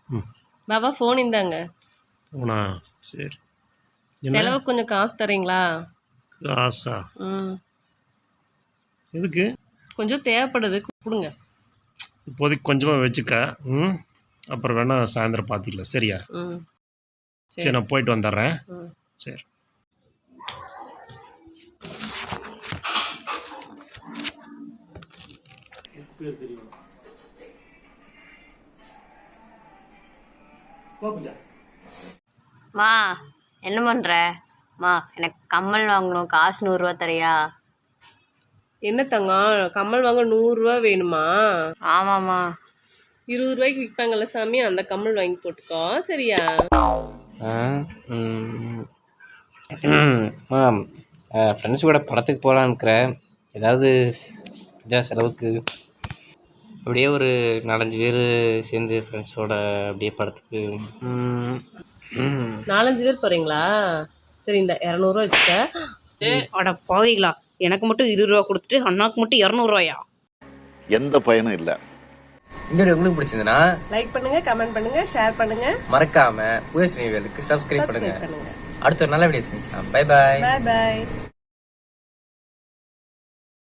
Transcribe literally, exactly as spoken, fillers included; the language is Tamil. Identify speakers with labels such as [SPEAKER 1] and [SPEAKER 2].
[SPEAKER 1] பாபா ஃபோன் இந்தாங்க.
[SPEAKER 2] போனா சரி.
[SPEAKER 1] செலவுக்கு கொஞ்சம் காசு தரீங்களா?
[SPEAKER 2] காசா?
[SPEAKER 1] ம்
[SPEAKER 2] எதுக்கு?
[SPEAKER 1] கொஞ்சம் தேவைப்படுது, கொடுங்க.
[SPEAKER 2] இப்போதைக்கு கொஞ்சமாக வச்சுக்க. ம் அப்புறம் வேணா சாயந்தரம் பார்த்துக்கலாம். சரியா?
[SPEAKER 1] ம்
[SPEAKER 2] சரி, நான் போயிட்டு வந்துடுறேன்.
[SPEAKER 1] ம்
[SPEAKER 2] சரி.
[SPEAKER 3] மா என்ன பண்ற? மா எனக்கு கம்மல் வாங்கணும், காசு நூறுரூவா தரியா?
[SPEAKER 1] என்ன தங்கம், கம்மல் வாங்க நூறுரூவா வேணுமா?
[SPEAKER 3] ஆமாம்மா.
[SPEAKER 1] இருபது ரூபாய்க்கு விற்பாங்கல்ல சாமி, அந்த கம்மல் வாங்கி போட்டுக்கோ. சரியா?
[SPEAKER 4] மேம் ஃப்ரெண்ட்ஸ் கூட படத்துக்கு போகலான்னு இருக்கிறேன். ஏதாவது இதா செலவுக்கு அப்படியே ஒரு நாலஞ்சு பேர் சேர்ந்து ஃப்ரெண்ட்ஸோட அப்படியே படத்துக்கு.
[SPEAKER 1] நாலஞ்சு பேர் போகிறீங்களா? சரி, இந்த இரநூறுவா வச்சுக்க.
[SPEAKER 5] அட பாவீங்களா, எனக்கு மட்டும் இருபது ரூபா கொடுத்துட்டு அண்ணாக்கு மட்டும் இரநூறுவாயா?
[SPEAKER 6] எந்த பயனும் இல்லை.
[SPEAKER 7] இந்த வீடியோ உங்களுக்கு பிடிச்சிருந்ததுன்னா
[SPEAKER 1] லைக் பண்ணுங்க, கமெண்ட் பண்ணுங்க, ஷேர் பண்ணுங்க,
[SPEAKER 7] மறக்காம புதிய சினிவேலுக்கு சப்ஸ்கிரைப் பண்ணுங்க. அடுத்த ஒரு நல்ல வீடியோ சந்திக்கலாம். Bye bye.
[SPEAKER 1] பாய் பாய்.